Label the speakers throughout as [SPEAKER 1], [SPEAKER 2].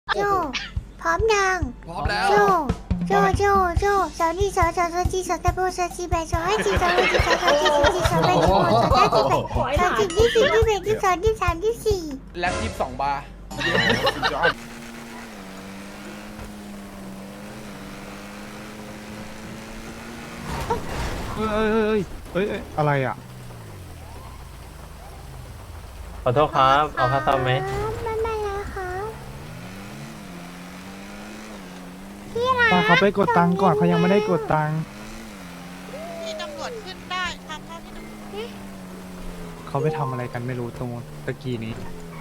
[SPEAKER 1] โจพร้อมยัง
[SPEAKER 2] พร้อมแล้ว
[SPEAKER 1] โจโจสาวนี่สาวจีสาวตะโบสาวจีแบสาวให้จีสาวให้จีสาวจีสาวแบสาวสาวจีแบสาวจีที่สี่ที่แบที่สองที่สามที่สี่
[SPEAKER 2] แล็บ22 บาร์
[SPEAKER 3] อะไรอ่ะ
[SPEAKER 4] ขอโทษครับ เอาค่าซ่อมไหม
[SPEAKER 1] ไม่เป็นไรครับพี่รัก
[SPEAKER 3] ตาเขาไปกดตังค์ก่อนเขายังไม่ได้กดตังค์
[SPEAKER 5] ที่ตำรวจขึ้นได้ทำเท่าที่ตำรวจ
[SPEAKER 3] เขาไปทำอะไรกันไม่รู้ตรงตะกี้นี้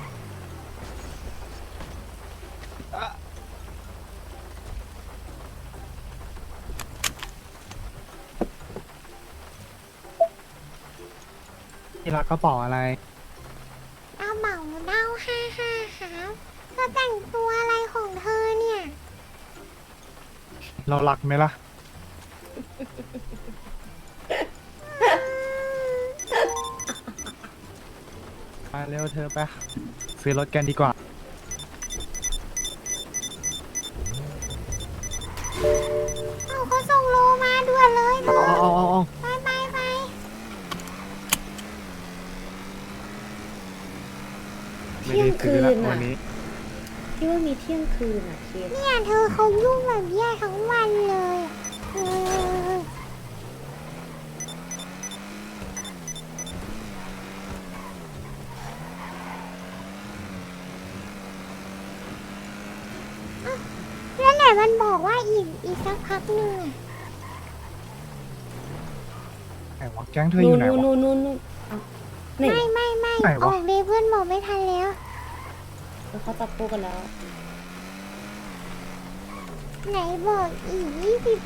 [SPEAKER 3] ที่รักกระเป๋าอะไร
[SPEAKER 1] เอาเหมาเน่า55ครับเธอแต่งตัวอะไรของเธอเนี่ย
[SPEAKER 3] เรารักไหมล่ะ ไปเร็วเธอไปซื้อรถกันดีกว่า
[SPEAKER 1] เอาเขาส่งโลมาด่วนเลยเธอ
[SPEAKER 3] เอา
[SPEAKER 1] ไป
[SPEAKER 3] ไม่ได้ซื้อละวันนี้
[SPEAKER 6] พี่ว่ามีเที่ยงคืนอ่ะเคส
[SPEAKER 1] เนี่ยเธอเขายุ่งแบบเนี้ยทั้งวันเลยเออแล้วไหนมันบอกว่าอีกสักพักหนึ่งอะ
[SPEAKER 3] ไหนวะแก๊งเธออยู่ไหนวะ
[SPEAKER 6] นู่นเอาไหน
[SPEAKER 1] ไม่
[SPEAKER 3] ไหนวะ
[SPEAKER 1] ออกเลยเพื่อนบอกไม่ทันแล้ว
[SPEAKER 6] เขาจับคู่กันแล้ว
[SPEAKER 1] ไหนบอกอีก20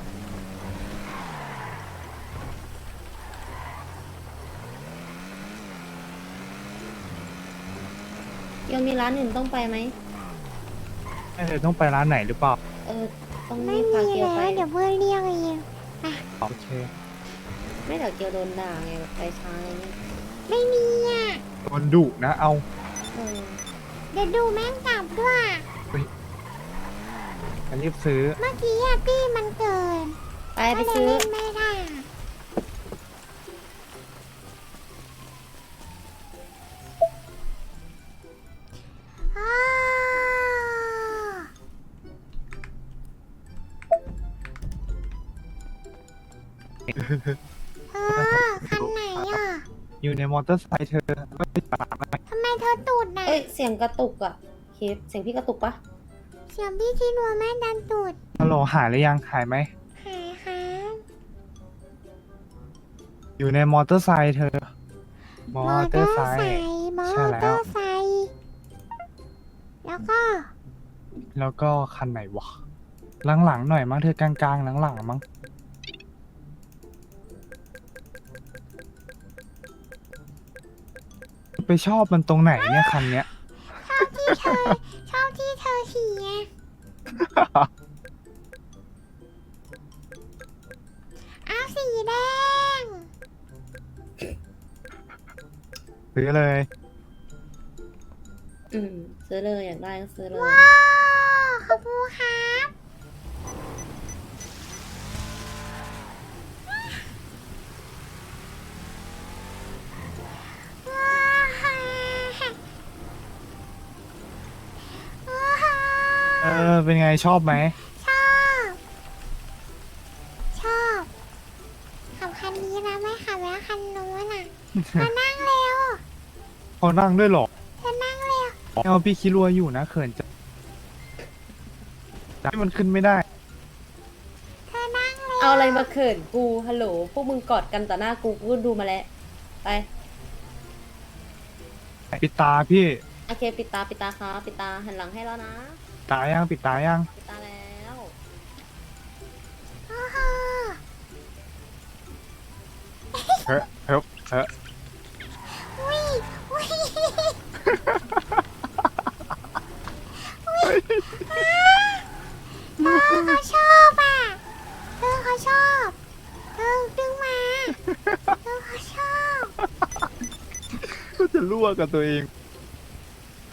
[SPEAKER 6] ยังมีร้านอื่นต้องไปไหม
[SPEAKER 3] เธอต้องไปร้านไหนหรือเปล่า
[SPEAKER 6] ต้อง
[SPEAKER 1] ไม่
[SPEAKER 6] รีบ
[SPEAKER 1] มี
[SPEAKER 6] พาเกียว
[SPEAKER 1] แล้ว
[SPEAKER 6] ไป
[SPEAKER 1] เดี๋ยวเพื่อนเรียกเอง
[SPEAKER 3] โอเค
[SPEAKER 6] ไม่เดี๋ยวเกียวโดนด่าไงแบบไปช้าอะไรเงี้ย
[SPEAKER 1] ไม่มีอ่ะ
[SPEAKER 3] โดนดุนะเอา
[SPEAKER 6] เออ
[SPEAKER 1] เดี๋ยวดูแม่งกลับด้วย
[SPEAKER 3] จะรีบซื้อ
[SPEAKER 1] เมื่อกี้อะตี้มันเกิน
[SPEAKER 6] ไป
[SPEAKER 1] ก็เลย
[SPEAKER 6] ซื้อ
[SPEAKER 1] เล่นไม่ได้อะอ้าวเธอคันไหนอ่ะ
[SPEAKER 3] อยู่ในมอเตอร์ไซค์เธอก็ไปตามไป
[SPEAKER 1] ทำไมเธอตูดน่ะ
[SPEAKER 6] เอ้ยเสียงกระตุกอ่ะเคสเสียงพี่กระตุกปะ
[SPEAKER 1] เสียงพี่ที่นัวแม่ดันตูด
[SPEAKER 3] ฮัลโหลหายหรือยังหายไหม
[SPEAKER 1] หายครับ
[SPEAKER 3] อยู่ในมอเตอร์ไซค์เธอ มอเตอร์ไซค์
[SPEAKER 1] มอ
[SPEAKER 3] ใช่แล้ว
[SPEAKER 1] เตอร์ไซค์แล้วก็
[SPEAKER 3] แล้วก็คันไหนวะหลังๆหน่อยมั้งเธอกลางๆหลังๆมั้งไปชอบมันตรงไหนเนี่ยคันเนี้ย
[SPEAKER 1] ชอบที่เธอขี่ไงเอาสีแดง
[SPEAKER 3] ซื้อเลย
[SPEAKER 6] ซื้อเลยอยากได้ก็ซื้อเลย
[SPEAKER 1] ว้าวขอบคุณครับว้าว
[SPEAKER 3] เป็นไงชอบไหม
[SPEAKER 1] ชอบ ขับคันนี้นะไม่ขับแล้วคันนู้นอ่ะมานั่งเร็ว
[SPEAKER 3] เขานั่งด้วยเหรอ
[SPEAKER 1] จะนั่งเร็ว
[SPEAKER 3] เอาพี่คิดรัวอยู่นะเขินจะให้มันขึ้นไม่ได้
[SPEAKER 1] เธอนั่งเร็ว
[SPEAKER 6] เอาอะไรมาเขินกูฮัลโหลพวกมึงกอดกันต่อหน้ากูก็ดูมาแล้วไป
[SPEAKER 3] ปิดตาพี่
[SPEAKER 6] โอเคปิดตาครับปิดตาหันหลังให้แล้วนะ
[SPEAKER 3] ตายังปิดตายัง
[SPEAKER 6] ปิดตาแล้ว
[SPEAKER 1] โอ้โห
[SPEAKER 3] เฮ้ยเฮ้ย
[SPEAKER 1] อุ้ยอุ้ยเธอเขาชอบอ่ะเธอเขาชอบเธอดึงมาเธอเขาชอบ
[SPEAKER 3] ก็จะรั่วกับตัวเอง
[SPEAKER 1] เ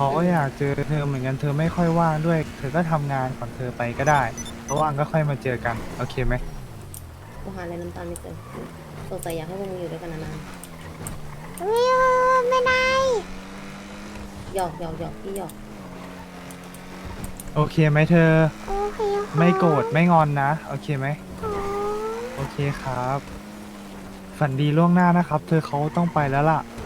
[SPEAKER 3] เขาก็อยากเจอเธอเหมือนกันเธอไม่ค่อยว่างด้วย เธอก็ทำงานก่อนเธอไปก็ได้เพราะว่างก็ค่อยมาเจอกันโอเคไหม
[SPEAKER 6] กูหาอะไรน้ำตาลไม่เจอสงสัยอยากให้พวกมึงอยู่ด้วยกันนาน
[SPEAKER 1] วิวไม่ได้
[SPEAKER 6] ๆหยอกพี่หยอก
[SPEAKER 3] โอเคไหมเธอ
[SPEAKER 1] โอเคค่ะ
[SPEAKER 3] ไม่โกรธไม่งอนนะโอเคไหม
[SPEAKER 1] อ๋อ
[SPEAKER 3] โอเคครับ ฝันดีล่วงหน้านะครับ เธอเขาต้องไปแล้วล่ะ